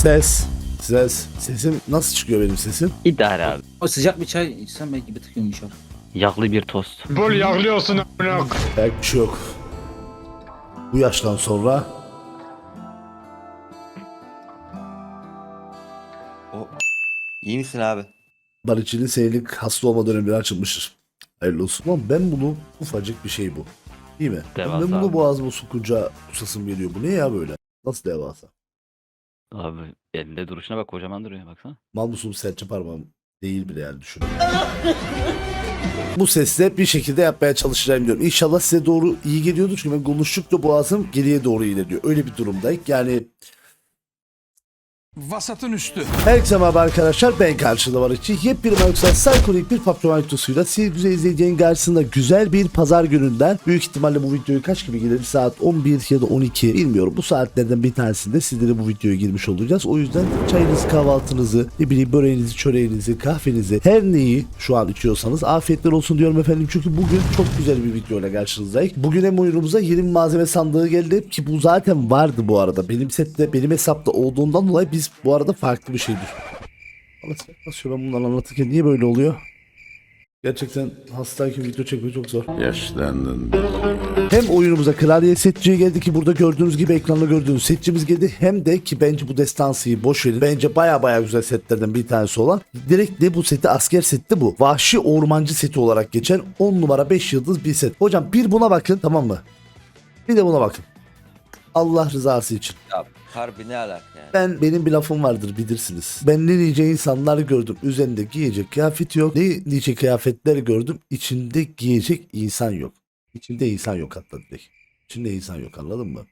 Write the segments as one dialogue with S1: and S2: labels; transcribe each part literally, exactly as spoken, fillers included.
S1: Ses. Ses. Sesim nasıl çıkıyor benim sesim?
S2: İdare abi.
S3: O sıcak bir çay içsem belki bir tık yumuşar.
S2: Yağlı bir tost.
S4: Bol yağlıyorsun amına.
S1: Belki bir şey yok. Bu yaştan sonra
S5: O. İyi misin abi?
S1: baricinin senelik hasta olma dönemleri açılmıştır. Hayırlı olsun. Lan ben bunu ufacık bir şey bu. Değil mi?
S2: Devasa
S1: Ben bunu
S2: abi.
S1: boğazıma sokunca kusasım geliyor. Bu ne ya böyle? Nasıl devasa?
S2: Abi elinde duruşuna bak, kocaman duruyor baksana.
S1: Mal musun serçe parmağım değil bile yani düşün. Bu sesle bir şekilde yapmaya çalışacağım diyorum. İnşallah size doğru iyi geliyordur çünkü ben konuştukça boğazım geriye doğru ilerliyor. Öyle bir durumdayım. Yani
S4: Vasatın üstü.
S1: herkese merhaba arkadaşlar, ben karşıda var için yepyeni Marksal Psychonik bir patron videosuyla siz güzel izleyeceğin karşısında güzel bir pazar gününden büyük ihtimalle bu videoyu kaç gibi gelir, saat on bir ya da on iki bilmiyorum, bu saatlerden bir tanesinde sizlere bu videoya girmiş olacağız. O yüzden çayınızı, kahvaltınızı, ne bileyim böreğinizi, çöreğinizi, kahvenizi, her neyi şu an içiyorsanız afiyetler olsun diyorum efendim, çünkü bugün çok güzel bir videoyla karşınızdayız. Bugün hem oyunumuza yeni bir malzeme sandığı geldi ki bu zaten vardı bu arada benim sette, benim hesapta olduğundan dolayı biz bu arada farklı bir şey düşün. Nasıl ben bundan anlatırken niye böyle oluyor? Gerçekten hastayken video çekmek çok zor.
S6: Yaşlandın.
S1: Hem oyunumuza klavye setçiye geldi ki burada gördüğünüz gibi ekranda gördüğünüz setçimiz geldi. Hem de ki bence bu destansıyı boş verin. Bence baya baya güzel setlerden bir tanesi olan. Direkt de bu seti asker setti bu. Vahşi ormancı seti olarak geçen on numara beş yıldız bir set. Hocam bir buna bakın, tamam mı? Bir de buna bakın. Allah rızası için.
S5: Ya harbi ne alaka yani?
S1: Ben, benim bir lafım vardır bilirsiniz. Ben ne nice insanlar gördüm. Üzerinde giyecek kıyafeti yok. Ne nice kıyafetler gördüm. İçinde giyecek insan yok. İçinde insan yok hatta direkt. İçinde insan yok, anladın mı?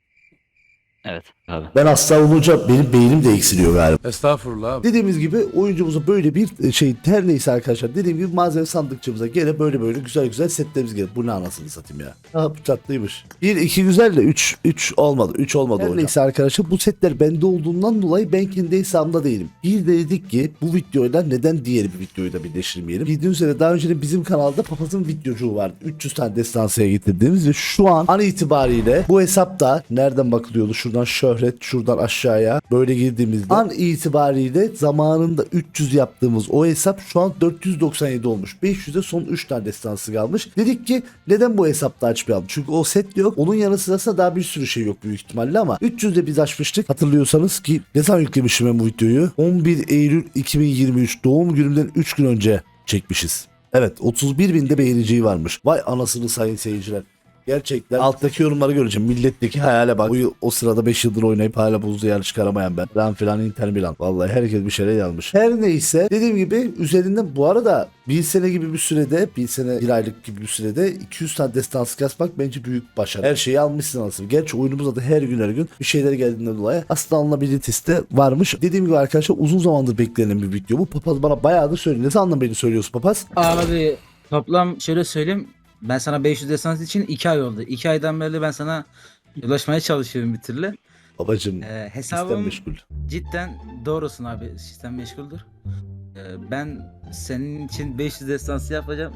S2: Evet abi.
S1: Ben hasta olunca benim beynim de eksiliyor galiba.
S4: Estağfurullah abi.
S1: Dediğimiz gibi oyuncumuza böyle bir şey, her neyse arkadaşlar, dediğim gibi malzeme sandıkçımıza gene böyle böyle güzel güzel setlerimiz gelir. Bu ne anasını satayım ya. Ha bu tatlıymış. bir iki güzel de üç üç olmadı. üç olmadı her hocam. Neyse arkadaşlar, bu setler bende olduğundan dolayı ben kendi hesabımda değilim. Bir de dedik ki bu videoyla neden diğer bir videoyu da birleştirmeyelim. Bildiğiniz üzere daha önce de bizim kanalda papazın videocuğu vardı. üç yüz tane destansıya getirdiğimiz ve şu an an itibariyle bu hesapta nereden bakılıyordu? Şuradan şöhret, şuradan aşağıya böyle girdiğimizde an itibariyle zamanında üç yüz yaptığımız o hesap şu an dört yüz doksan yedi olmuş. beş yüze son üç tane destansı kalmış. Dedik ki neden bu hesapta açmayalım? Çünkü o set yok. Onun yanı sırasında daha bir sürü şey yok büyük ihtimalle ama üç yüzde biz açmıştık. Hatırlıyorsanız ki ne zaman yüklemişim ben bu videoyu? on bir Eylül iki bin yirmi üç doğum günümden üç gün önce çekmişiz. Evet, otuz bir binde beğeniciyi varmış. Vay anasını sayın seyirciler. Gerçekten alttaki yorumları göreceğim. Milletteki hayale bak. O, yıl- o sırada beş yıldır oynayıp hala buzlu yarı çıkaramayan ben. Falan filan Inter Milan. Vallahi herkes bir şeyler yazmış. Her neyse dediğim gibi üzerinden bu arada bir sene gibi bir sürede, bir sene bir aylık gibi bir sürede iki yüz tane destansı kasmak bence büyük başarı. Her şeyi almışsın aslında. Gerçi oyunumuzda da her gün her gün bir şeyler geldiğinden dolayı aslında alınabilitesi de varmış. Dediğim gibi arkadaşlar uzun zamandır beklenen bir video. Bu papaz bana bayağıdır söylüyor. Ne zaman beni söylüyorsun papaz?
S3: Abi toplam şöyle söyleyeyim. Ben sana beş yüz desans için iki ay oldu. iki aydan beri ben sana ulaşmaya çalışıyorum bir türlü.
S1: Babacım
S3: Ee,
S1: sistem
S3: hesabım
S1: meşgul.
S3: cidden doğrusun abi. Sistem meşguldür. Ee, ben senin için beş yüz destansı yapacağım.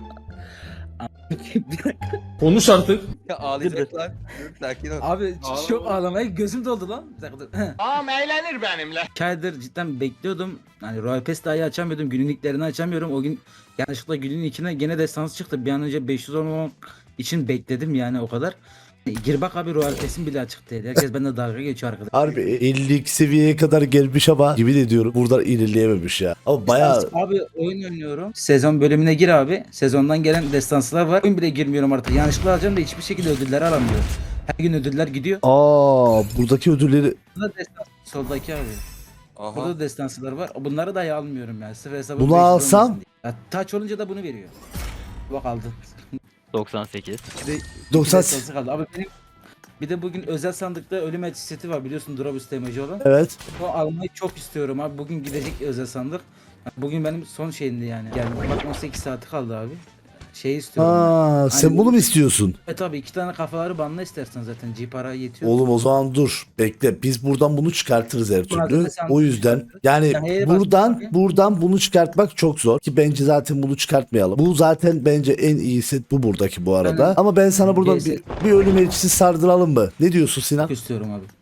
S4: Konuş artık.
S5: Ya ağlayacak lan. Dur, sakin ol.
S3: Abi çok ağlamaya gözüm doldu lan. Bir dakika dur.
S4: Ağam eğlenir benimle.
S3: İki aydır cidden bekliyordum. Hani Royal Pass dahi açamıyordum. Günlüklerini açamıyorum. O gün yanlışlıkla günün içine gene destansı çıktı. Bir an önce beş yüz olmamak için bekledim yani o kadar. Gir bak abi, Royal Pass'in bile açık değil. Herkes bende dalga geçiyor arkadaş.
S1: Harbi elli iki seviyeye kadar gelmiş ama yemin ediyorum buradan ilerleyememiş ya. Ama bayağı
S3: Abi oyun oynuyorum. Sezon bölümüne gir abi. Sezondan gelen destanslar var. Oyun bile girmiyorum artık. Yanlışlıkla alacağım da hiçbir şekilde ödülleri alamıyorum. Her gün ödüller gidiyor.
S1: aa buradaki ödülleri
S3: Burada destans soldaki abi.
S5: Aha.
S3: Burada da destansılar var. Bunları dahi almıyorum yani. Sırf hesabım
S1: Bunu
S3: beş yüz
S1: alsam?
S3: olmasın diye. Ya, taç olunca da bunu veriyor. Bak aldın.
S2: doksan sekiz.
S3: Bir de
S1: doksan
S3: iki destansı kaldı. Abi benim bir de bugün özel sandıkta ölüm elçi seti var biliyorsun, Drobus emoji olan.
S1: evet.
S3: O almayı çok istiyorum abi. Bugün gidecek özel sandık. Bugün benim son şeyimdi yani. Yani bak on sekiz saati kaldı abi. Şey istiyorum.
S1: Aa
S3: ben.
S1: sen
S3: Hani-
S1: bunu mu istiyorsun?
S3: Evet abi, iki tane kafaları banla istersen zaten. G para yetiyor.
S1: Oğlum o zaman dur bekle, biz buradan bunu çıkartırız her türlü.
S3: Malzeme sen
S1: O yüzden
S3: çıkartırız.
S1: yani
S3: Ya, hele bak
S1: buradan
S3: abi.
S1: buradan bunu çıkartmak çok zor ki bence zaten bunu çıkartmayalım. Bu zaten bence en iyi set bu buradaki bu arada.
S3: Aynen.
S1: Ama ben sana buradan
S3: Neyse.
S1: bir, bir ölüm elçisi sardıralım mı? Ne diyorsun Sinan?
S3: Çok istiyorum abi.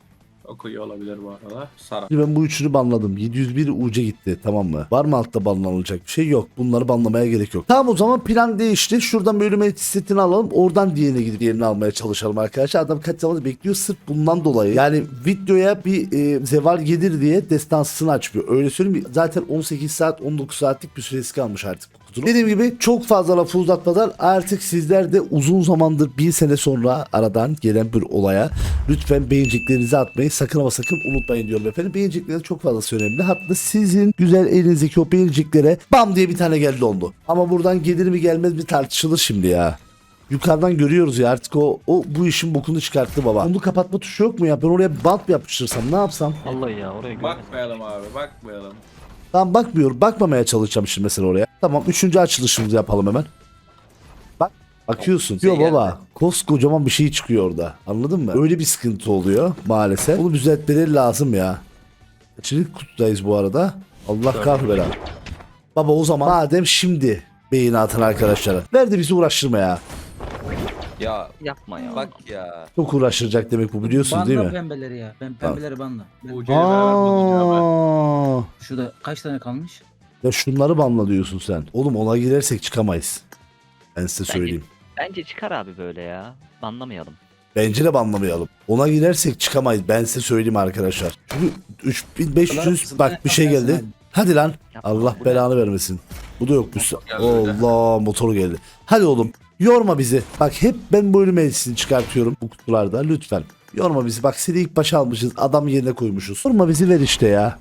S4: Okuyor olabilir bu arada. Sara.
S1: Şimdi ben bu üçünü banladım. yedi yüz bir U C gitti, tamam mı? Var mı altta banlanılacak bir şey? Yok. Bunları banlamaya gerek yok. Tamam, o zaman plan değişti. Şuradan bölüm setini alalım. Oradan diğerine gidip diğerini almaya çalışalım arkadaşlar. Adam kaç zamandır bekliyor sırf bundan dolayı. Yani videoya bir e, zeval gelir diye destansını açmıyor. Öyle söyleyeyim mi? Zaten on sekiz saat on dokuz saatlik bir süresi kalmış artık. Dediğim gibi çok fazla lafı uzatmadan artık sizler de uzun zamandır bir sene sonra aradan gelen bir olaya lütfen beğeneceklerinizi atmayı sakın ama sakın unutmayın diyorum efendim. Beğenecekleriniz çok fazla önemli. Hatta sizin güzel elinizdeki o beğeneceklere bam diye bir tane geldi oldu. Ama buradan gelir mi gelmez mi tartışılır şimdi ya. Yukarıdan görüyoruz ya artık o, o bu işin bokunu çıkarttı baba. Onu kapatma tuşu yok mu ya? Ben oraya bant mı yapıştırsam, ne yapsam?
S2: Vallahi ya oraya görmedim.
S4: Bakmayalım abi bakmayalım.
S1: Tamam, bakmıyorum. Bakmamaya çalışacağım şimdi mesela oraya. Tamam, üçüncü açılışımızı yapalım hemen. Bak. Bakıyorsun.
S5: Şey
S1: Yok
S5: geldi.
S1: baba. Koskocaman bir şey çıkıyor orada. Anladın mı? Öyle bir sıkıntı oluyor maalesef. Bunu düzeltmeleri lazım ya. Kaçıncı kutudayız bu arada? Allah kahvela. Baba o zaman madem şimdi beğeni atın arkadaşlara. Verdi bizi uğraştırma ya.
S5: Ya
S2: Yapma ya.
S5: bak ya.
S1: Çok uğraştıracak demek bu, biliyorsunuz
S3: Banla
S1: değil mi?
S3: pembeleri ya. Ben pembeleri banla. Ben-
S4: Ucu'yu beraber bulacağım ben.
S1: Aa,
S3: Şurada kaç tane kalmış?
S1: ya şunları banla diyorsun sen. Oğlum ona girersek çıkamayız. Ben size söyleyeyim.
S2: Bence çıkar abi böyle ya. Anlamayalım.
S1: Bence de banlamayalım. Ona girersek çıkamayız. Ben size söyleyeyim arkadaşlar. Çünkü üç bin beş yüz bak bir şey geldi. Hadi lan.
S2: Yapma,
S1: Allah
S2: bu ne?
S1: belanı vermesin. Bu da yokmuş.
S4: geldi bir de.
S1: Allah, motor geldi. Hadi oğlum. Yorma bizi. Bak hep ben bu ölüm elçisini çıkartıyorum bu kutularda. Lütfen. Yorma bizi. Bak seni ilk başa almışız. Adam yerine koymuşuz. Yorma bizi, ver işte ya.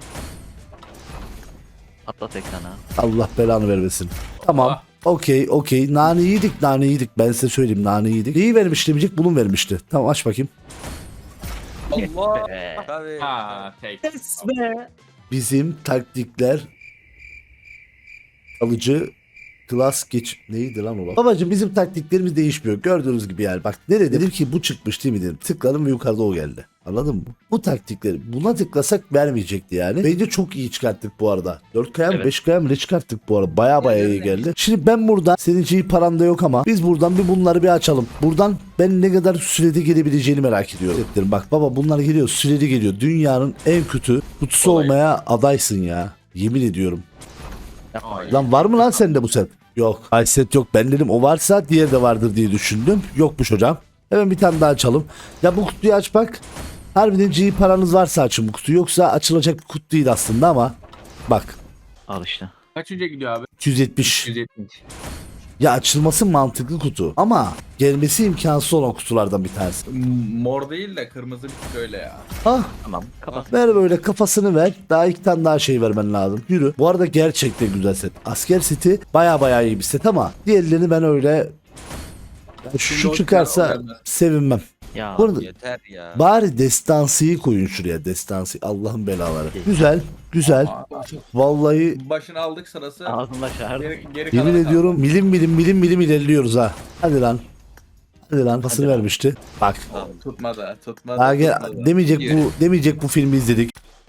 S2: Atlat ekrana.
S1: Allah belanı vermesin. Tamam.
S4: Allah.
S1: Okey okey. Nane yedik nane yedik. Ben size söyleyeyim, nane yedik. Neyi vermişti demeyecek, bunu vermişti. Tamam, aç bakayım.
S5: Allah.
S2: Be.
S5: Tabii.
S4: Ha tek.
S1: Bizim taktikler kalıcı klas geç neydi lan o? Babacım bizim taktiklerimiz değişmiyor. Gördüğünüz gibi yani. Bak nereye dedim ki bu çıkmış değil mi dedim. Tıkladım ve yukarıda o geldi. Anladın mı? Bu taktikleri buna tıklasak vermeyecekti yani. Bence çok iyi çıkarttık bu arada. dört kaya mı
S2: Evet.
S1: beş kaya mı ne çıkarttık bu arada. Baya baya iyi geldi. Şimdi ben buradan, senin için paran da yok ama biz buradan bir bunları bir açalım. Buradan ben ne kadar sürede gelebileceğini merak ediyorum. Dedim, bak baba bunlar geliyor, süreli geliyor. Dünyanın en kötü kutusu
S4: Olay.
S1: olmaya adaysın ya. Yemin ediyorum.
S2: Yapma.
S4: Ay.
S1: Lan var mı lan sende bu set? Yok. Ay set yok. Ben dedim o varsa diğer de vardır diye düşündüm. Yokmuş hocam. Hemen bir tane daha açalım. Ya bu kutuyu aç bak. Harbiden G paranız varsa açın bu kutuyu. Yoksa açılacak bir kutu değil aslında ama. Bak.
S2: Al işte.
S4: Kaçıncı gidiyor abi?
S1: iki yüz yetmiş.
S4: yüz yetmiş.
S1: Ya açılması mantıklı kutu. Ama gelmesi imkansız olan kutulardan bir tanesi.
S4: Mor değil de kırmızı bir tık öyle ya.
S1: Ah.
S2: Tamam kapat.
S1: Ver böyle kafasını ver. Daha iki tane daha şey vermen lazım. Yürü. Bu arada gerçekten güzel set. Asker seti baya baya iyi bir set ama diğerlerini ben öyle yani şu
S4: Şimdi o-
S1: çıkarsa
S4: o gelmez.
S1: sevinmem.
S2: Ya.
S1: Bu arada
S5: Yeter ya.
S1: bari destansıyı koyun şuraya. Destansı. Allah'ın belaları. Güzel. Güzel. Vallahi
S4: Başını aldık sırası.
S2: Ağzında şahır.
S4: Geri, geri
S1: yemin
S4: kalanı
S1: ediyorum milim milim milim milim ilerliyoruz ha. Hadi lan. Hadi lan. Pasını
S2: Hadi lan.
S1: vermişti. Bak.
S4: kaldı. Tutmadı. Tutmadı.
S1: Daha gel,
S4: tutmadı.
S1: demeyecek
S5: Yürü.
S1: bu demeyecek bu filmi izledik.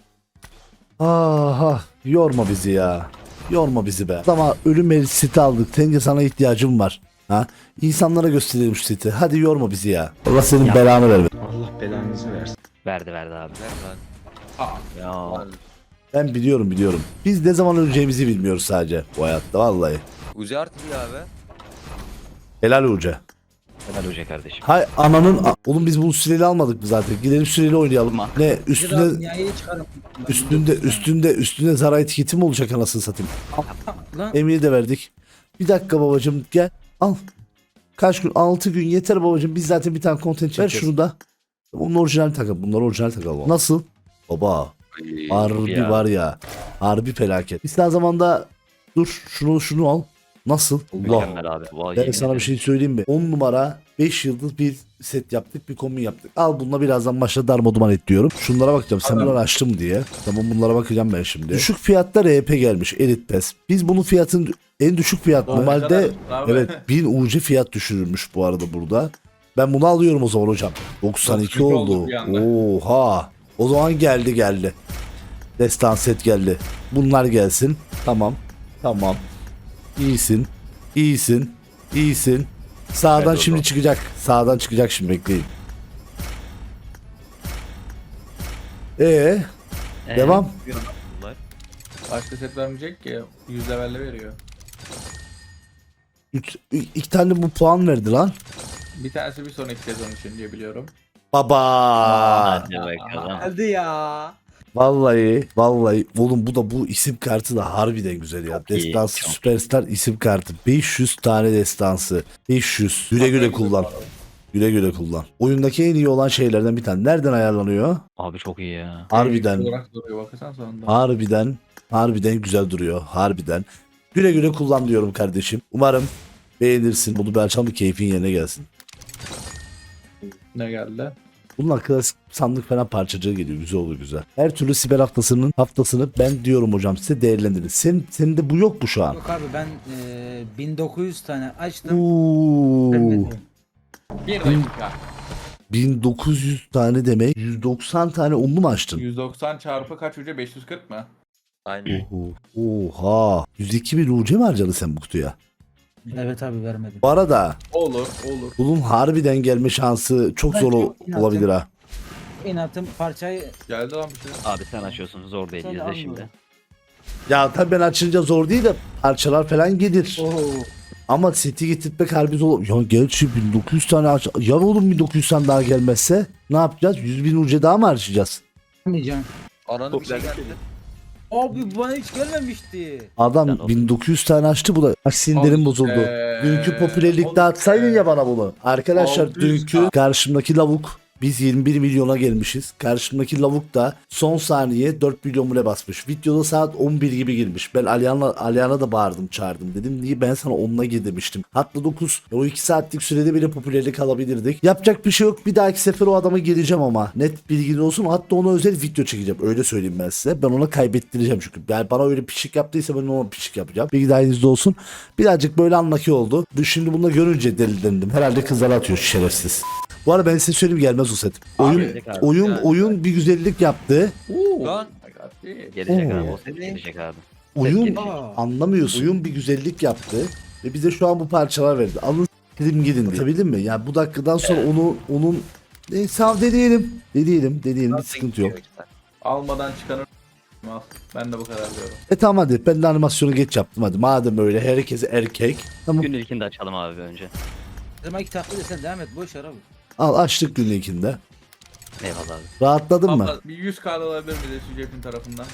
S1: Aha, yorma bizi ya. Yorma bizi be. Ama ölüm el seti aldık. Tenge sana ihtiyacım var. Ha? İnsanlara gösterelim şu seti. Hadi yorma bizi ya. Allah senin
S2: Ya.
S1: belanı verme.
S3: Allah belanızı versin.
S2: Verdi verdi abi.
S5: Ver lan.
S4: Aa,
S2: Ya.
S1: Ben biliyorum biliyorum. Biz ne zaman öleceğimizi bilmiyoruz sadece bu hayatta vallahi.
S5: Uzi artıyor abi.
S1: Helal hoca.
S2: Helal hoca kardeşim.
S1: Hay ananın a- oğlum biz bunu süreli almadık mı zaten? Gidelim süreli oynayalım.
S2: Ama-
S1: Ne üstünde
S3: Dünyayı çıkarım.
S1: üstünde üstünde üstünde zara etiketi mi olacak anasını satayım?
S3: Lan
S1: Emiri de verdik. Bir dakika babacım gel al. Kaç gün? altı gün yeter babacım. Biz zaten bir tane content ver şunu da. Onun orijinal takım. Bunlar orijinal takım. Nasıl? Baba. Harbi
S2: ya.
S1: var ya. Harbi felaket. İster zamanda dur şunu şunu al. Nasıl? Allah.
S2: Mükemmel abi. Vay,
S1: Ben
S2: yemin
S1: sana bir
S2: ederim.
S1: şey söyleyeyim mi? on numara beş yıldız bir set yaptık, bir kombin yaptık. Al bununla birazdan başla darmaduman et diyorum. Şunlara bakacağım. Sen bunları açtım diye. Tamam bunlara bakacağım ben şimdi. Düşük fiyatta R P gelmiş. Elite Pass. Biz bunun fiyatın en düşük fiyat.
S4: Doğru,
S1: Normalde
S4: kadar abi.
S1: evet bin U C fiyat düşürülmüş bu arada burada. Ben bunu alıyorum o zaman hocam. doksan iki
S4: doksan iki
S1: oldu.
S4: oldu bir anda.
S1: Oha. O zaman geldi geldi. Destan set geldi. Bunlar gelsin. Tamam. Tamam. İyisin. İyisin. İyisin. Sağdan
S4: Evet,
S1: şimdi
S4: oldu.
S1: çıkacak. Sağdan çıkacak şimdi bekleyin. Ee,
S2: Ee,
S1: devam.
S2: bunlar.
S4: Başka set vermeyecek ki. yüz levelle veriyor.
S1: Üç, iki tane bu puan verdi lan.
S4: Bir tanesi bir sonraki sezon için diye biliyorum.
S1: Baba.
S2: Hadi bakalım.
S3: Hadi ya.
S1: Vallahi vallahi oğlum bu da bu isim kartı da harbiden güzel ya.
S2: Çok iyi,
S1: Destansı
S2: çok
S1: Süperstar isim kartı. beş yüz tane destansı. beş yüz. Güle güle kullan. Güle güle kullan. Oyundaki en iyi olan şeylerden bir tane. Nereden ayarlanıyor?
S2: Abi çok iyi ya.
S1: Harbiden.
S4: Olarak duruyor bakırsan sonunda.
S1: Harbiden. Harbiden güzel duruyor. Harbiden. Güle güle kullan diyorum kardeşim. Umarım beğenirsin. Bunu bir açalım bir keyfin yerine gelsin.
S4: Ne geldi?
S1: Bunun klasik sandık falan parçacığı geliyor. Güzel olur güzel. Her türlü siber haftasının haftasını ben diyorum hocam size değerlendirin. Sen, senin de bu yok mu şu an?
S3: Yok abi ben e, bin dokuz yüz tane açtım.
S1: Oo.
S3: Vermedim.
S4: Bir dakika.
S1: bin dokuz yüz tane demek. yüz doksan tane onlu mu açtın?
S4: yüz doksan çarpı kaç ucu? beş yüz kırk mı?
S5: Aynen.
S1: Oho. Oha. yüz iki bin U C mi harcadın sen bu kutuya?
S3: Evet abi vermedim.
S1: Bu arada
S4: Olur olur.
S1: bunun harbiden gelme şansı çok
S3: Ben
S1: zor
S3: çok
S1: ol- olabilir ha.
S3: İnatım parçayı
S4: Geldi lan bir şey.
S2: Abi sen açıyorsun zor değil
S3: Sen de
S2: izle
S3: almıyorum.
S2: şimdi.
S1: Ya tabii ben açınca zor değil de parçalar falan gelir.
S3: Oo.
S1: Ama seti getirtmek harbi zor. Ya gerçi bin dokuz yüz tane aç. Ya oğlum bin dokuz yüz tane daha gelmezse ne yapacağız? yüz bin U C daha mı harcayacağız?
S3: Vermeyeceğim.
S5: Ananın bir şey geldi.
S3: Abi bana hiç gelmemişti.
S1: Adam
S2: Sen
S1: bin dokuz yüz tane açtı bu da. Bak sinirlerim
S4: Al
S1: bozuldu.
S4: be.
S1: Dünkü popülerlikte
S4: Al
S1: atsaydın
S4: be.
S1: ya bana bunu. Arkadaşlar
S4: altı yüz
S1: dünkü
S4: K.
S1: karşımdaki lavuk biz yirmi bir milyona gelmişiz. Karşımdaki lavuk da son saniye dört milyon mule basmış. Videoda saat on bir gibi girmiş. Ben Aliyan'a Aliyan'a da bağırdım çağırdım. Dedim niye ben sana onunla gir demiştim. Hatta dokuz o iki saatlik sürede bile popülerlik alabilirdik. Yapacak bir şey yok. Bir dahaki sefer o adama geleceğim ama. Net bilgin olsun. Hatta ona özel video çekeceğim. Öyle söyleyeyim ben size. Ben ona kaybettireceğim çünkü. Yani bana öyle pişik yaptıysa ben ona pişik yapacağım. Bilgi dahilinizde olsun. Birazcık böyle anlaki oldu. Şimdi bunu da görünce delilendim. Herhalde kızlara atıyor şerefsiz. Bu arada ben size söyleyeyim gelmez o set. Oyun
S2: gelecek abi.
S1: oyun
S5: Yani.
S1: oyun bir güzellik yaptı.
S4: Oo.
S5: Lan.
S4: my God, değil.
S2: Gelecek
S1: Oo.
S2: abi o set gelecek abi.
S1: Oyun
S2: gelecek.
S3: Aa.
S1: anlamıyorsun. Oyun bir güzellik yaptı ve bize şu an bu parçalar verdi. Alın dedim gidin diye. Anlatabildim mi? Yani bu dakikadan sonra onu onun neyse abi deneyelim. Deneyelim, deneyelim bir sıkıntı yok.
S4: Almadan çıkanı al. Ben de bu kadar diyorum.
S1: E tamam hadi ben de animasyonu geç yaptım hadi. Madem öyle herkese erkek. Tamam.
S2: Günün ilkini de açalım abi önce.
S3: Demek ki taklit etsen devam et boş ver abi.
S1: Al açtık günün ilkinde.
S2: Eyvallah abi.
S1: Rahatladın mı?
S4: Abla bir yüz K alabilir miyiz Sücep'in tarafından?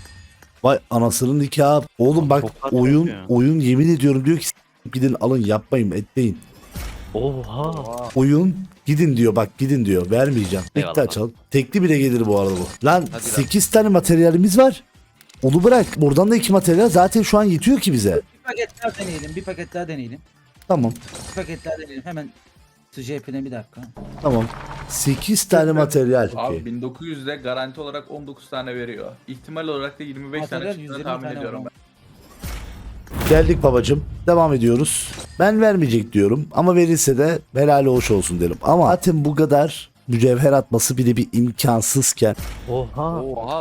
S1: Vay anasının nikahı. Oğlum bak
S2: Çok fark
S1: oyun
S2: yapıyor.
S1: oyun yemin ediyorum diyor ki "S- gidin alın yapmayın etmeyin.
S2: Oha.
S1: Oyun gidin diyor bak gidin diyor vermeyeceğim. Tekli
S2: Eyvallah.
S1: açalım. Tekli bile gelir bu arada bu. Lan
S5: Hadi lan.
S1: sekiz tane materyalimiz var. Onu bırak. Buradan da iki materyal zaten şu an yetiyor ki bize.
S3: Bir paket daha deneyelim bir paket daha deneyelim.
S1: Tamam.
S3: Bir paket daha deneyelim hemen. Su cepine bir dakika.
S1: Tamam. sekiz tane materyal.
S4: Abi
S1: Okey.
S4: bin dokuz yüzde garanti olarak on dokuz tane veriyor. İhtimal olarak da yirmi beş
S3: Materyal
S4: tane
S3: yüz
S4: çıktığını
S3: yirmi
S4: tahmin
S3: tane
S4: ediyorum
S3: var.
S4: ben.
S1: Geldik babacım. Devam ediyoruz. Ben vermeyecek diyorum ama verirse de helali hoş olsun derim. Ama zaten bu kadar mücevher atması bile bir imkansızken
S2: Oha.
S5: Oha.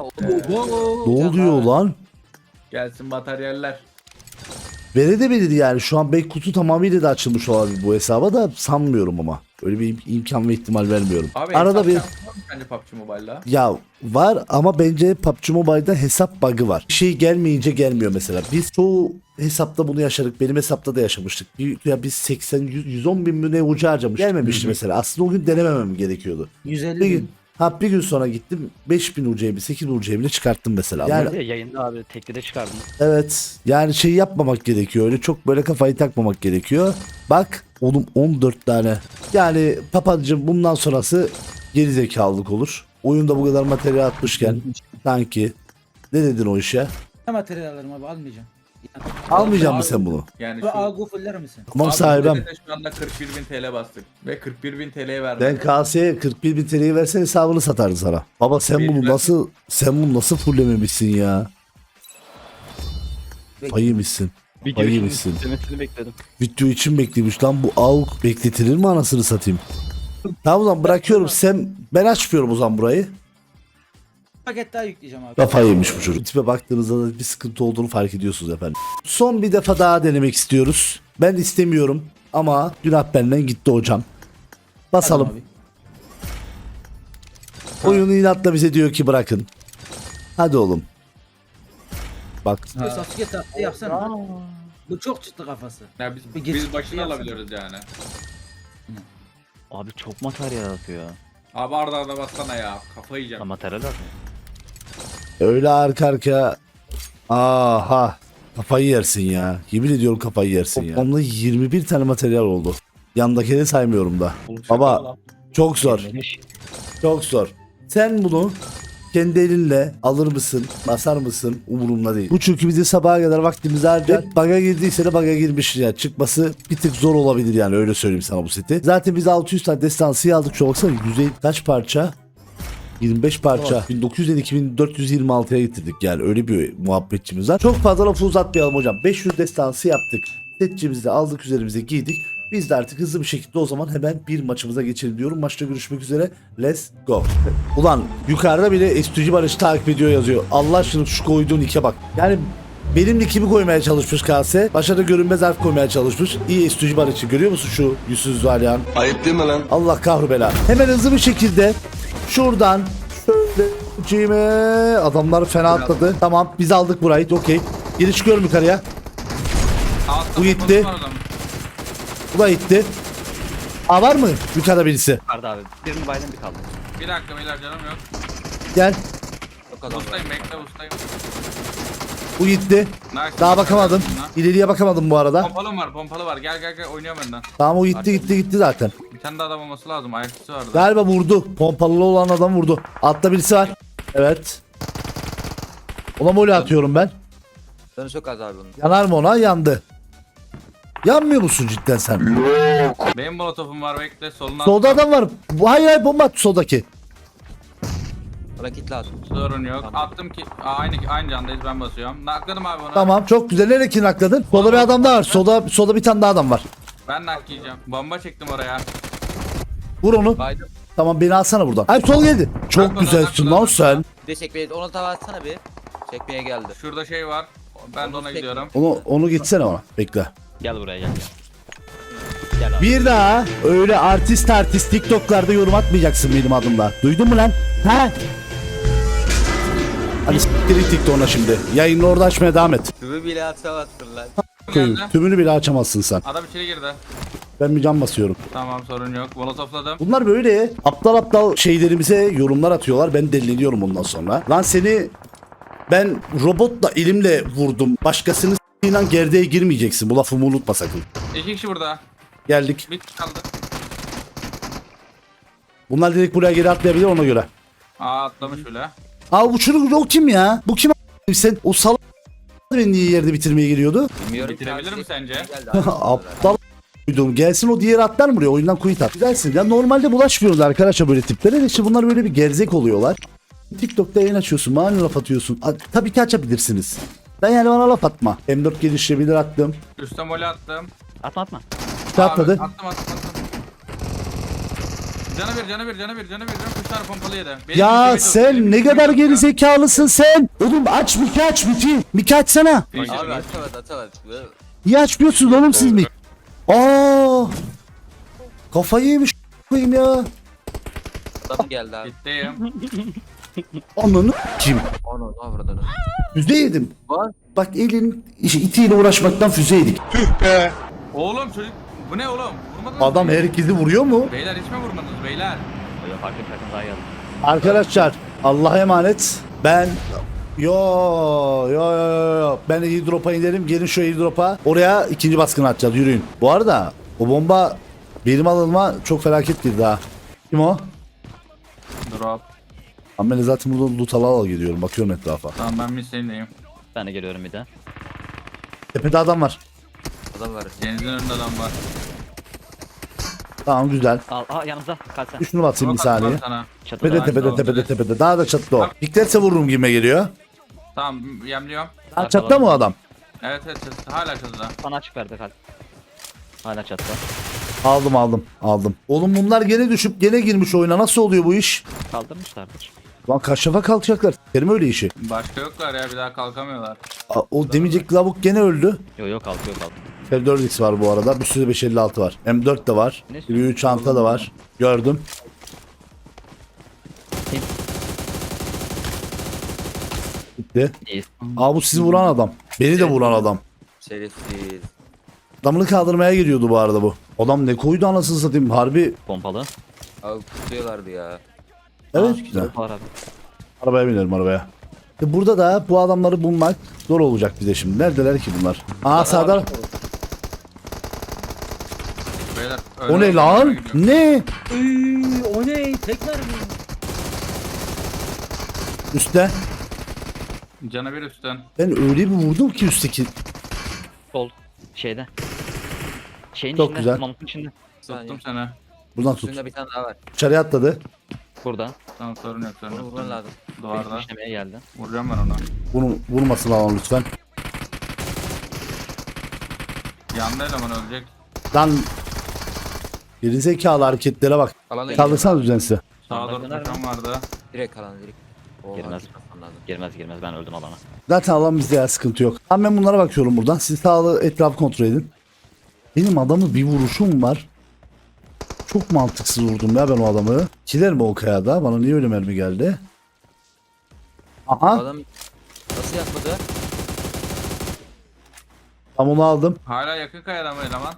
S1: ne oluyor lan?
S4: Gelsin materyaller.
S1: Verebilirdi yani şu an belki kutu tamamıyla da açılmış olabilir bu hesaba da sanmıyorum ama. Öyle bir im- imkan ve ihtimal vermiyorum.
S4: Abi
S1: Arada
S4: hesap
S1: bir
S4: şansı var mı bence P U B G Mobile'la?
S1: ya var ama bence P U B G Mobile'da hesap bug'ı var. Bir şey gelmeyince gelmiyor mesela. Biz çoğu hesapta bunu yaşadık. Benim hesapta da yaşamıştık. Bir, ya biz seksen yüz, yüz on bin mi ne ucu harcamış. Gelmemişti mesela. Aslında o gün denememem gerekiyordu.
S3: yüz elli
S1: Bir gün
S3: bin.
S1: ha bir gün sonra gittim beş bin U C'yi sekiz bin U C'yi bile çıkarttım mesela. Yani
S2: Yani yayında abi tekli de çıkardım.
S1: evet yani şey yapmamak gerekiyor. Öyle çok böyle kafayı takmamak gerekiyor. Bak oğlum on dört tane. Yani papacığım bundan sonrası geri zekalılık olur. Oyunda bu kadar materyal atmışken sanki ne dedin o işe?
S3: Ne materyal alırım abi almayacağım. Yani,
S1: Almayacak
S4: Abi,
S1: mısın sen bunu?
S4: Yani
S3: bu
S4: şu...
S3: algı fuller misin?
S1: Tamam
S4: Abi
S1: sahibim.
S4: millete Şu anda kırk bir bin T L bastık. Ve kırk bir bin T L'ye verdik.
S1: Ben K S'ye kırk bir bin T L'yi versen hesabını satardı sana. Baba sen bunu
S4: Benim-
S1: nasıl sen bunu nasıl fullememişsin ya? Ayımışsın.
S2: Video
S1: Ayı
S2: için
S1: mısın?
S2: izlemesini bekledim.
S1: Video için beklemiş lan bu avuk bekletilir mi anasını satayım? Tamam o zaman bırakıyorum sen ben açmıyorum o zaman burayı.
S3: Bir paket daha yükleyeceğim abi.
S1: Kafayı yemiş bu çocuk. Tipe baktığınızda da bir sıkıntı olduğunu fark ediyorsunuz efendim. Son bir defa daha denemek istiyoruz. Ben istemiyorum ama günah benden gitti hocam. Basalım.
S3: Abi.
S1: Oyunu inatla bize diyor ki bırakın. Hadi oğlum. Bak
S3: Ha. Sasuke taktiği yapsana. Bu çok çıktı kafası.
S4: Ya biz,
S3: Bir geç-
S4: biz başını
S3: yapsana.
S4: alabiliyoruz yani.
S2: Abi çok materyal atıyor.
S4: Abi arda arda bassana ya. Kafayı
S2: Ha,
S4: yiyeceğim.
S2: materyal atıyor.
S1: öyle arka arkaya. Aha. Kafayı yersin ya. Yemin ediyorum kafayı yersin ya. Toplamda yirmi bir tane materyal oldu. Yandakini saymıyorum da. Baba çok zor. Çok zor. Sen bunu kendi elinle alır mısın, basar mısın umurumda değil. Bu çünkü bizi sabaha kadar vaktimizi harcar. Baga girdiyse de baga girmiş ya. Çıkması bir tık zor olabilir yani, öyle söyleyeyim sana bu seti. Zaten biz altı yüz tane destansı aldık. Şu baksana yüzey kaç parça? yirmi beş parça. bin dokuz yüz iki bin dört yüz yirmi altıya getirdik yani, öyle bir muhabbetçimiz var. Çok fazla lafı uzatmayalım hocam. beş yüz destansı yaptık. Setçimizi de aldık, üzerimize giydik. Biz de artık hızlı bir şekilde o zaman hemen bir maçımıza geçelim diyorum. Maçta görüşmek üzere. Let's go. Ulan yukarıda bile Estücü Barış'ı takip ediyor yazıyor. Allah aşkına şu koyduğun ike bak. Yani benim nickimi koymaya çalışmış Kase. Başa da görünmez harf koymaya çalışmış. İyi Estücü Barış'ı görüyor musun şu yüzsüz Alihan?
S6: Ayıp değil mi lan?
S1: Allah kahru bela. Hemen hızlı bir şekilde şuradan şöyle cime adamlar fena atladı. Tamam biz aldık burayı. Okey. Geri çıkıyorum yukarıya.
S4: Altta
S1: Bu gitti.
S4: var adam.
S1: Bu da gitti. Aa var mı yukarıda birisi?
S2: Vardı abi. Birinin bayram bir kaldı.
S4: Bir dakika beyler canım yok.
S1: Gel.
S4: Ustayım bekle ustayım.
S1: Bu gitti.
S4: Nice.
S1: Daha bakamadım. İleriye bakamadım bu arada.
S4: Pompalı var pompalı var. Gel gel gel oynuyorum önden.
S1: Tamam o gitti gitti gitti zaten.
S4: Bir tane daha adam olması lazım. Ayakçısı vardı.
S1: Galiba vurdu. Pompalı olan adam vurdu. Altta birisi var. Evet. Ona mole atıyorum ben.
S5: Canı çok az abi bunun.
S1: Yanar mı ona? Yandı. Yanmıyor musun cidden sen?
S4: Benim molotofum var bekle soluna.
S1: Solda adam var. Bu- Hayır hayır bomba at soldaki.
S5: Bana kit lazım.
S4: Sorun yok.
S5: Tamam.
S4: Attım ki Aa, aynı aynı candayız ben basıyorum. Nakladım abi onu.
S1: Tamam çok güzel. Nereye kinakladın? Solda bir adam daha var. Solda, solda bir tane daha adam var.
S4: Ben nak yiyeceğim. Bomba çektim oraya.
S1: Vur onu.
S5: Baydım.
S1: Tamam beni alsana buradan. Hayır sol geldi. Çok
S4: Bak,
S1: güzelsin
S4: bak,
S1: lan
S4: bak.
S1: sen.
S5: Bir de çekmeye, onu tava atsana bir. Çekmeye geldi.
S4: Şurada şey var. Ben de ona
S5: Onu
S4: gidiyorum.
S1: Onu onu gitsene ona. Bekle.
S2: Gel buraya gel. Gel abi.
S1: Bir daha öyle artist artist TikTok'larda yorum atmayacaksın benim adımla. Duydun mu lan? Ha? Hadi s**tir git TikTok'una şimdi. Yayını orada açmaya devam et.
S5: Tübü bile atamazsın lan.
S1: Koyun.
S4: Geldi.
S1: Tümünü bile açamazsın sen.
S4: Adam içeri girdi.
S1: Ben bir cam basıyorum.
S4: Tamam sorun yok. Molotofladım.
S1: Bunlar böyle aptal aptal şeylerimize yorumlar atıyorlar. Ben deliniyorum ondan sonra. Lan seni ben robotla elimle vurdum. Başkasını s***yle gerdeğe girmeyeceksin. Bu lafımı unutma sakın.
S4: İki kişi burada.
S1: Geldik.
S4: Bir kaldı.
S1: Bunlar direkt buraya geri atlayabilir ona göre.
S4: Aa atlamış bile.
S1: Aa bu çocuk o kim ya? Bu kim a**? Sen o salak beni niye yerde bitirmeye geliyordu?
S5: Bilmiyorum.
S4: Bitirebilir mi sence?
S5: Geldi abi.
S1: Aptal duydum. Gelsin o diğer atlar mı buraya? Oyundan quit at. Güzelsin. Ya normalde bulaşmıyoruz arkadaşlar böyle tiplere. De işte bunlar böyle bir gerzek oluyorlar. TikTok'ta yayın açıyorsun. Bana laf atıyorsun. A, tabii ki açabilirsiniz. Ben yani bana laf atma. M dört gelişebilir attım.
S4: Üste mole attım.
S2: Atma atma.
S1: Şey atladı.
S4: Abi, attım attım attım. Canı bir canı bir canı bir canı bir. Üç tane pompalı yedi. Benim
S1: Ya
S4: bir
S1: sen
S4: benim
S1: ne
S4: bir
S1: kadar
S4: bir-
S1: geri zekalısın sen. Oğlum aç Miki aç Miki. Miki açsana.
S4: Finisher
S5: Abi
S4: mi?
S5: atamadı atamadı.
S1: Niye açmıyorsunuz oğlum siz mi? Aa! Kafayı yemiş koyayım ya.
S5: Adam geldi abi.
S4: Bitteyim.
S1: Ananı kim?
S5: Onu ne avradını.
S1: Füze yedim.
S5: Var.
S1: Bak elin işi itiyle uğraşmaktan füze yedik.
S4: Oğlum çocuk. Bu ne oğlum? Vurmadınız
S1: Adam
S4: mı?
S1: herkesi vuruyor mu?
S4: Beyler hiç mi vurmadınız beyler?
S2: Böyle farklı bir takım daha geldi.
S1: Arkadaşlar Allah'a emanet. Ben yo yo yo yo yo. Ben airdrop'a inerim. Gelin şu airdrop'a. Oraya ikinci baskını atacağız. Yürüyün. Bu arada o bomba benim alınma çok felaket girdi ha. Kim o?
S4: Drop.
S1: Ama ben de zaten burada loot ala ala gidiyorum. Bakıyorum etrafa.
S4: Tamam ben misleyindeyim.
S2: Ben de geliyorum bir de.
S1: Tepede adam var.
S5: Adam var.
S4: Denizin önünde adam var.
S1: Tamam güzel.
S2: Al, aa yanımızda. Kaç sen.
S1: Şunu atayım bir
S4: Drop attım
S1: saniye.
S4: sana.
S2: Çatıda.
S1: Tepede
S4: Daha
S1: tepede
S4: güzel
S1: tepede
S4: oldu.
S1: tepede. Daha da çattı o. Piklerse vururum gibime geliyor.
S4: Tamam yemliyorum.
S1: Ha, çatta mı o adam?
S4: Evet evet çatıda. Hala çatıda.
S2: Sana açık verdi kalp. Hala çatıda.
S1: Aldım aldım aldım. Oğlum bunlar gene düşüp gene girmiş oyuna. Nasıl oluyor bu iş?
S2: Kaldırmışlardır.
S1: Lan kaç şafa kalkacaklar. Terim öyle işi.
S4: Başka yoklar ya bir daha kalkamıyorlar.
S1: Aa, o demeyecek lavuk gene öldü.
S2: Yok yok kalkıyor kalk.
S1: M dört X var bu arada. Bir sürü beş elli altı var. M dört de var.
S2: Ne
S1: Bir çanta da var. Gördüm.
S2: Kim?
S1: Gitti.
S2: İyi.
S1: Aa bu sizi vuran adam. Beni de vuran adam.
S5: Şerefsiz.
S1: Adamını kaldırmaya geliyordu bu arada bu. Adam ne koydu anasını satayım. Harbi.
S2: Pompalı.
S5: Abi tutuyorlardı ya.
S1: Evet güzel.
S2: Var abi.
S1: Arabaya binelim arabaya. E burada da bu adamları bulmak zor olacak bize şimdi. Neredeler ki bunlar? Aa sağda.
S4: Beyler,
S1: O
S4: öyle
S1: ne lan?
S4: gidiyor.
S1: Ne?
S3: Üy, o ne? Tek mermi.
S1: Üstte.
S4: Canı bir üstten.
S1: Ben öyle bir vurdum ki üstteki.
S2: Sol. Şeyde. Şeyin
S1: Çok
S2: içinde.
S1: güzel.
S2: Mamutun içinde.
S4: Tuttum seni.
S1: Buradan tut.
S5: Üstünde bir tane daha var.
S1: Dışarıya atladı.
S2: Burada.
S4: Tamam sorun yok sorun
S5: Bunu
S4: yok.
S5: vurman lazım.
S4: Duvarda.
S2: İşlemeye geldi.
S4: Vuracağım ben onu.
S1: Bunu vurmasın alan lütfen.
S4: Yandı eleman ölecek.
S1: Lan. Gerizekalı hareketlere bak.
S5: Alana gidiyor.
S1: Kaldırsana düzensize.
S4: Sağa doğru
S2: Döner mi?
S4: koşan vardı.
S5: Direkt alana direkt. Oha,
S2: Girmez.
S5: gitmem lazım.
S2: Girmez girmez ben öldüm alana.
S1: Zaten alan bizde ya sıkıntı yok. Tamam ben bunlara bakıyorum buradan. Siz sağlı etrafı kontrol edin. Benim adamı bir vuruşum var. Çok mantıksız vurdum ya ben o adamı. Kiler mi o kayada? Bana niye öyle mermi geldi? Aha.
S5: Adam nasıl yapmadı?
S1: Tam onu aldım.
S4: Hala yakın kayada mı eleman?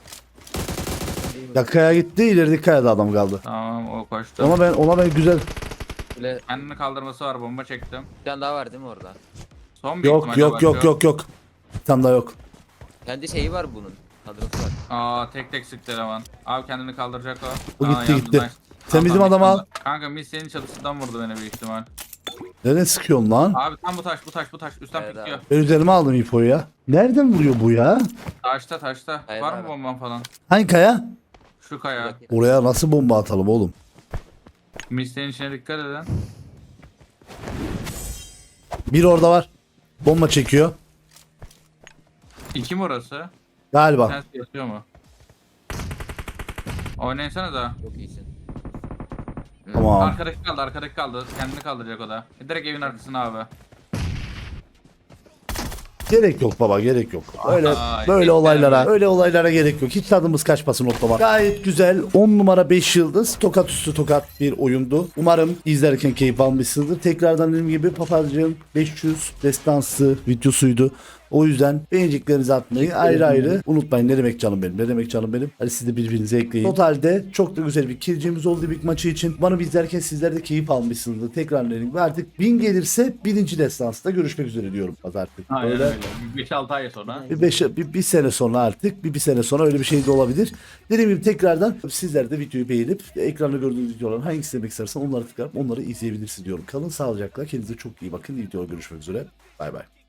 S1: Ya kaya gitti, ilerideki kayada adam kaldı.
S4: Tamam o koştu.
S1: Ona ben ona ben güzel.
S5: Böyle
S4: Kendini kaldırması var, bomba çektim.
S5: bir tane daha var değil mi orada?
S4: Son bir
S1: Yok
S4: ihtimalle
S1: yok yok
S4: bakıyor.
S1: yok yok. Bir tane daha yok.
S5: Kendi şeyi var bunun. Kadrosu var.
S4: Aa tek tek sıktı eleman. Abi kendini kaldıracak o.
S1: Bu
S4: Aa,
S1: gitti,
S4: yandı,
S1: gitti.
S4: nice.
S1: Sen
S4: Tamam,
S1: bizim
S4: tamam,
S1: adamı al.
S4: kaldı. Kanka mis senin çatısından vurdu beni büyük ihtimal.
S1: Nereden sıkıyorsun lan?
S4: Abi tam bu taş bu taş bu taş üstten
S5: Evet
S4: pikliyor.
S1: Ben üzerime aldım ipoyu ya. Nereden vuruyor bu ya?
S4: Taşta taşta.
S5: Hayır
S4: Var
S5: abi.
S4: mı bomban falan?
S1: Hangi kaya?
S4: Şu kaya.
S1: Oraya nasıl bomba atalım oğlum?
S4: Mis senin içine dikkat edin.
S1: Bir orada var. Bomba çekiyor.
S4: İki mi orası?
S1: Galiba.
S4: Sen yatıyor mu? Oynaysana da.
S5: Çok iyisin.
S1: Tamam.
S4: Arkadaki kaldı, arkadaki kaldı. Kendini kaldıracak o da. Direkt evin arkasına abi.
S1: Gerek yok baba, gerek yok. Öyle
S4: Ay,
S1: böyle
S4: hiç
S1: olaylara,
S4: sevmem.
S1: öyle olaylara gerek yok. Hiç tadımız kaçmasın otlama. Gayet güzel. on numara beş yıldız. Tokat üstü tokat bir oyundu. Umarım izlerken keyif almışsınızdır. Tekrardan dediğim gibi Papazcığım beş yüz destansı videosuydu. O yüzden beğeneceklerinizi atmayı ayrı ayrı unutmayın. Ne demek canım benim? Ne demek canım benim? Hadi siz de birbirinize ekleyin. Totalde çok da güzel bir kilcimiz oldu bir maçı için. Umarım izlerken sizler de keyif almışsınızdır. Tekrar dedim. Ve artık bin gelirse birinci destansta görüşmek üzere diyorum artık.
S4: Aynen
S1: Öyle.
S4: öyle. beş altı ay sonra.
S1: Bir, beş, bir, bir sene sonra artık bir, bir sene sonra öyle bir şey de olabilir. Dediğim gibi tekrardan sizler de videoyu beğenip ekranda gördüğünüz videoların hangisini izlemek istersen onları tıklayıp onları izleyebilirsiniz diyorum. Kalın sağlıcakla, kendinize çok iyi bakın. İyi videoda görüşmek üzere. Bay bay.